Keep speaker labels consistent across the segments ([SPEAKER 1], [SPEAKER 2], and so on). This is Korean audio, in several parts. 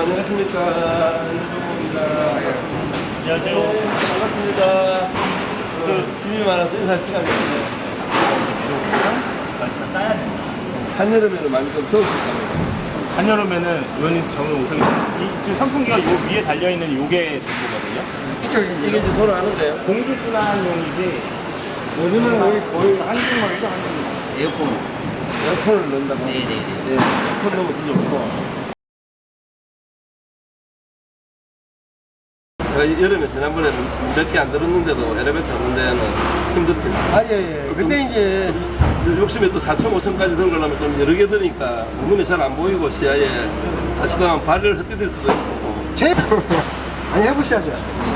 [SPEAKER 1] 안녕하십니까. 윤종호입니다.
[SPEAKER 2] 안녕하세요.
[SPEAKER 1] 네, 반갑습니다. 집이 많아서 인사할 시간이 없네요.
[SPEAKER 2] 따야 된다.
[SPEAKER 1] 한여름에는 많이 좀 더우실 겁니다.
[SPEAKER 2] 한여름에는 의원님 저는 우선 지금 선풍기가 요 위에 달려있는 요게 전부거든요.
[SPEAKER 1] 이게 이제 돌아가는데요.
[SPEAKER 2] 공기순환용이지.
[SPEAKER 3] 여기는 거의 한국말이죠, 한국말.
[SPEAKER 1] 에어컨을 넣는다고.
[SPEAKER 2] 네네네.
[SPEAKER 1] 네, 에어컨 넣으면 더 좋고. 제가 여름에 지난번에는 몇 개 안 들었는데도 엘리베이터 타는 데는 힘들대요.
[SPEAKER 3] 예. 근데 이제
[SPEAKER 1] 욕심에 또 4천, 5천까지 들어가려면 좀 여러 개 드니까 눈에 잘 안 보이고 시야에 자칫하면 발을 헛디딜 수도 있고.
[SPEAKER 3] 아니 해보셔야죠.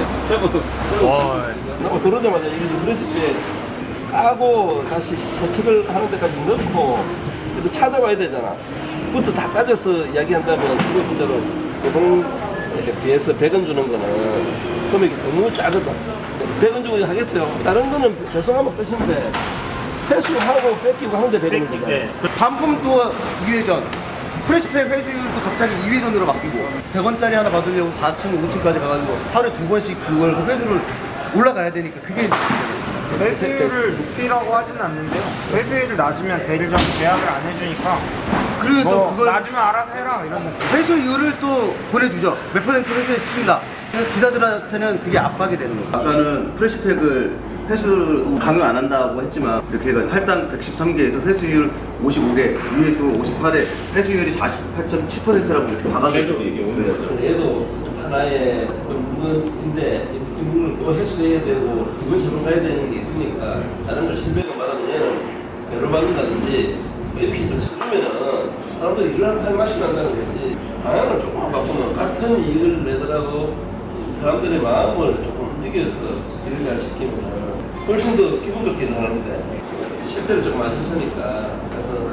[SPEAKER 1] 저거 들어오자마자 이게 그러실 때 까고 다시 세척을 하는 데까지 넣고 그래도 찾아와야 되잖아. 그것도 다 따져서 이야기한다면 그거 문제로 보통에 비해서 100원 주는 거는 금액이 너무 작거든. 100원 주고 하겠어요. 다른 거는 죄송하면 끝인데 회수하고 뺏기고 하는데 100원 주잖아.
[SPEAKER 2] 네.
[SPEAKER 3] 반품도 2회전. 프레시팩 회수율도 갑자기 2회전으로 바뀌고 100원짜리 하나 받으려고 4층, 5층까지 가가지고 하루에 2번씩 그걸 회수를 올라가야 되니까 그게
[SPEAKER 4] 회수율을 높이라고 하지는 않는데요. 회수율을 낮으면 대리점 계약을 안 해주니까
[SPEAKER 3] 그리고 또
[SPEAKER 4] 뭐
[SPEAKER 3] 그걸
[SPEAKER 4] 낮으면 알아서 해라 이런 느낌.
[SPEAKER 3] 회수율을 또 보내주죠. 몇 퍼센트 회수했습니다. 기사들한테는 그게 압박이 되는 거예요. 아까는 프레시팩을 회수 강요 안 한다고 했지만 이렇게 해가지고 할당 113개에서 회수율 55개, 위에서 58에 회수율이 48.7%라고 이렇게 박아서
[SPEAKER 2] 계속 이게 오는 거죠.
[SPEAKER 1] 얘도 하나의 물건인데 이 물건을 또 회수해야 되고 그걸 처분가야 되는 게 있으니까 다른 걸 700원 받으면 얘는 배로 받는다든지 뭐 이렇게 좀 쳐주면은 사람들이 일을 할 맛이 난다는 거지. 방향을 조금만 바꾸면 같은 일을 내더라도 사람들의 마음을 조금 움직여서 일을 잘 시키면 훨씬 더 기분 좋게 일을 하는데 실제로 조금 아셨으니까 그래서